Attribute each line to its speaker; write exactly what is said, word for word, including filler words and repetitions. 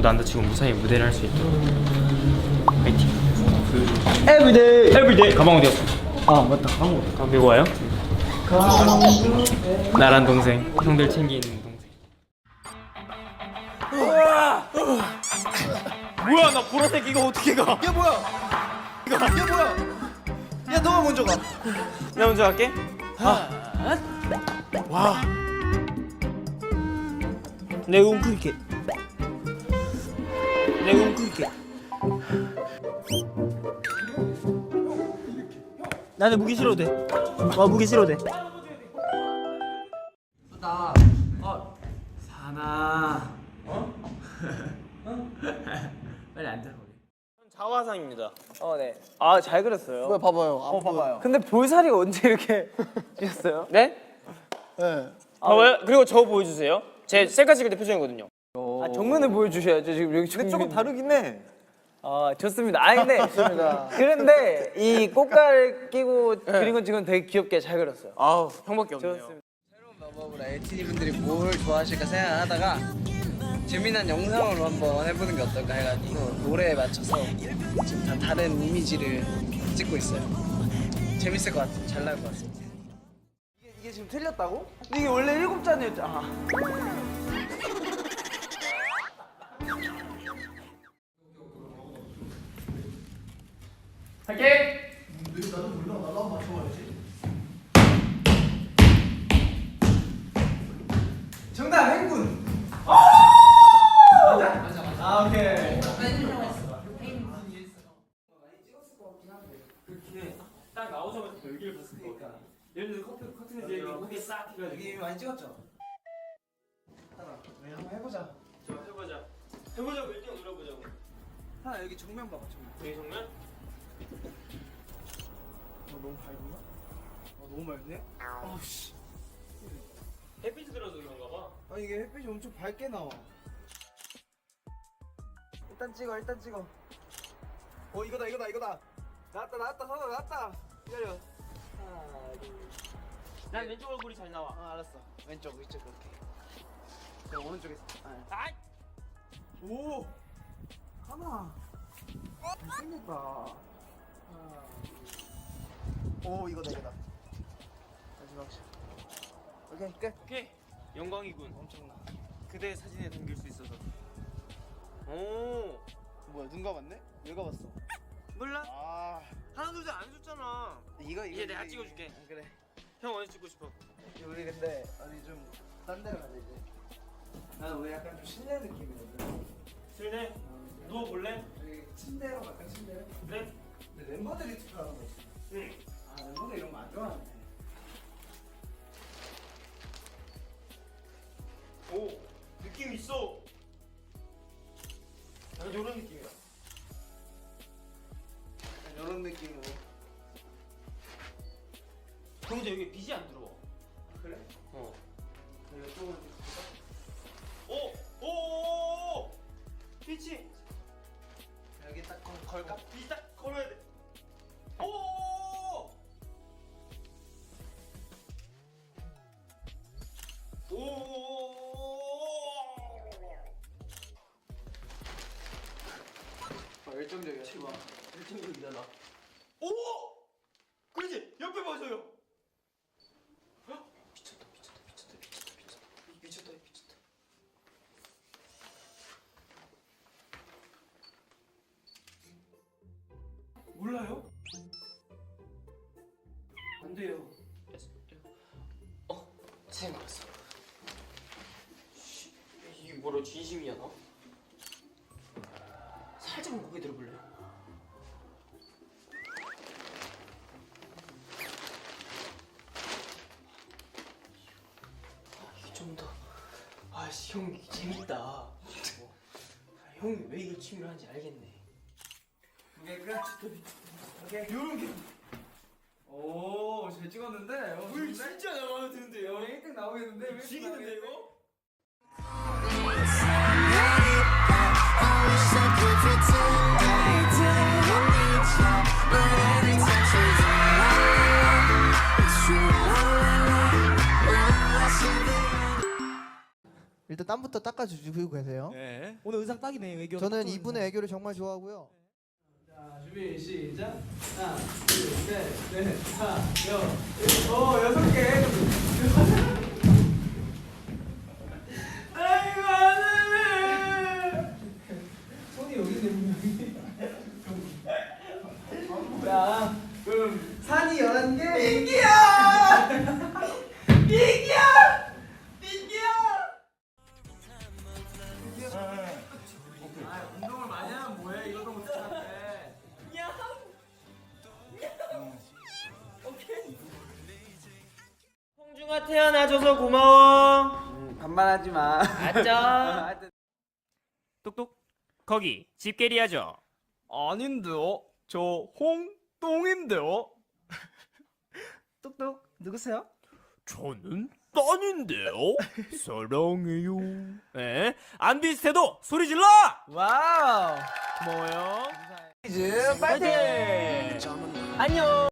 Speaker 1: 아무도 안 다치고 무사히 무대를 할 수 있도록 파이팅.
Speaker 2: 에브리데이.
Speaker 1: 에브리데이. 가방 어디 갔어?
Speaker 2: 아 맞다. 가방 어디?
Speaker 1: 가방 메고 와요? 나란 동생, 형들 챙기는 동생.
Speaker 2: 뭐야 나 보라색 이거 어떻게 가? 야 뭐야? 이거 야 뭐야? 야 너가 먼저 가.
Speaker 1: 내가 먼저 갈게.
Speaker 2: 와. 내가 웅크릴게. 내가 웅크릴게. 나는 무기 싫어도 돼. 와 무기 싫어도 돼.
Speaker 1: 나 어. 사나. 어? 빨리 앉아 거기.
Speaker 2: 자화상입니다.
Speaker 3: 어, 네.
Speaker 2: 아 잘 그렸어요.
Speaker 3: 왜 봐봐요. 어, 봐봐요.
Speaker 2: 근데 볼살이가 언제 이렇게 찌셨어요?
Speaker 3: 네? 네.
Speaker 2: 아, 왜? 그리고 저 보여주세요. 제 셀카 찍을 때 표정이거든요.
Speaker 3: 아, 정면을 보여주셔야죠. 지금 여기
Speaker 2: 근데 조금 다르긴 해.
Speaker 3: 아, 좋습니다. 아, 근데 그런데 이 꽃갈 끼고 그린 건 지금 되게 귀엽게 잘 그렸어요.
Speaker 2: 아우 형밖에 없네요.
Speaker 3: 좋습니다.
Speaker 4: 새로운 마법으로 엘티디 분들이 뭘 좋아하실까 생각하다가 재미난 영상으로 한번 해보는 게 어떨까 해가지고 노래에 맞춰서 지금 다 다른 이미지를 찍고 있어요. 재밌을 것 같아요. 잘 나올 것 같습니다.
Speaker 3: 이게, 이게 지금 틀렸다고? 근데 이게 원래 일곱 잔이었잖아. 아.
Speaker 1: 할게.
Speaker 3: 정답 행군. 맞아? 맞아 맞아. 아 오케이.
Speaker 1: 딱 나오자마자 여기를 봤을 것 같아. 예를 들어 커튼 커튼에서 여기 고개 싹 해가지고.
Speaker 3: 여기 많이 찍었죠? 하나. 네, 한번 해보자.
Speaker 1: 저 해보자. 해보자고 일 등 눌러보자고.
Speaker 3: 하나 여기 정면 봐봐 정면.
Speaker 1: 여기 정면?
Speaker 3: 어, 너무 밝은가? 어, 너무 맑네? 아우 씨.
Speaker 1: 햇빛이 들어서 그런가 봐.
Speaker 3: 아 이게 햇빛이 엄청 밝게 나와. 일단 찍어 일단 찍어. 어 이거다 이거다 이거다. 나왔다 나왔다 선아 나왔다. 기다려. 하나 둘.
Speaker 1: 난 왼쪽 얼굴이 잘 나와.
Speaker 3: 아 알았어. 왼쪽 이쪽 그렇게. 저 오른쪽에. 아.
Speaker 1: 아이!
Speaker 3: 오. 하나. 잘생겼다. 하나. 둘. 오 이거다 이거다. 마지막 샷. 오케이 끝.
Speaker 1: 오케이. 영광이군.
Speaker 3: 엄청나.
Speaker 1: 그대 사진에 담길 수 있어서. 오.
Speaker 3: 뭐야 눈 감았네? 왜 감았어?
Speaker 1: 몰라?
Speaker 3: 아
Speaker 1: 하나 둘 셋 안 줬잖아.
Speaker 3: 이거 이거
Speaker 1: 이제 내가
Speaker 3: 이거,
Speaker 1: 찍어줄게.
Speaker 3: 이거. 아, 그래.
Speaker 1: 형 어디 찍고 싶어?
Speaker 3: 우리 근데 어디 좀 딴 데로 가자 이제. 나는 왜 약간 좀 실내 느낌이거든.
Speaker 1: 실내? 누워볼래?
Speaker 3: 여기 침대로 갈까 침대로?
Speaker 1: 그래?
Speaker 3: 근데 멤버들이 투표하는 거 있어.
Speaker 1: 응.
Speaker 3: 아 멤버들 이런 거 안 좋아하네.
Speaker 1: 오. 느낌 있어. 약간 이런 느낌이야.
Speaker 3: 약간 이런 느낌으로.
Speaker 1: 근데 여기 빛이 안 들어와.
Speaker 3: 그래?
Speaker 1: 어.
Speaker 3: 내가 조금
Speaker 1: 오! 오! 오! 오! 빛이!
Speaker 3: 여기 딱 걸- 걸까?
Speaker 1: 빛이 딱 걸어야 돼. 오! 오!
Speaker 3: 아, 열정적이야. 치마. 열정적이다 나.
Speaker 1: 오! 그렇지! 옆에 봐줘요. 헉? 미쳤다 미쳤다 미쳤다 미쳤다 미쳤다 미쳤다 미쳤다. 몰라요? 안 돼요. 어? 생각났어. 이게 뭐라 진심이야 너? 살짝만 고개 들어볼래요? 이게 좀 더. 아씨 형 이게 재밌다. 어. 아, 형이 왜 이걸 취미로 하는지 알겠네.
Speaker 3: 오케이 끝. 오케이. 요런 게. 오, 잘 찍었는데. 어,
Speaker 1: 물
Speaker 3: 좋은데?
Speaker 1: 진짜 잘 마음에 드는데요?
Speaker 3: 일 등 나오겠는데? 왜
Speaker 1: 죽이는데 이거?
Speaker 3: 일단
Speaker 2: 땀부터 닦아주시고 계세요.
Speaker 1: 네.
Speaker 2: 오늘 의상 딱이네. 애교.
Speaker 3: 저는 이분의 애교를 정말 좋아하고요.
Speaker 4: 자, 준비 시작. 하나, 둘, 셋, 넷, 다, 여, 일, 오, 여섯 개. 아이고 하늘에. 손이 여기 있네. 자, 그럼 산이 열한 개. 민기야. 민기야. 민기야. 아, 운동을 많이 하면 뭐해? 이것도 못해.
Speaker 1: 홍중아 태어나줘서 고마워.
Speaker 4: 반말하지 마.
Speaker 1: 아짜. 똑똑. 거기 집게리하죠.
Speaker 4: 아닌데요. 저 홍똥인데요. 똑똑 누구세요?
Speaker 1: 저는 딴인데요. 사랑해요. 에? 안 비슷해도 소리 질러.
Speaker 4: 와우.
Speaker 1: 고마워요.
Speaker 4: 이즈 파이팅.
Speaker 1: 안녕.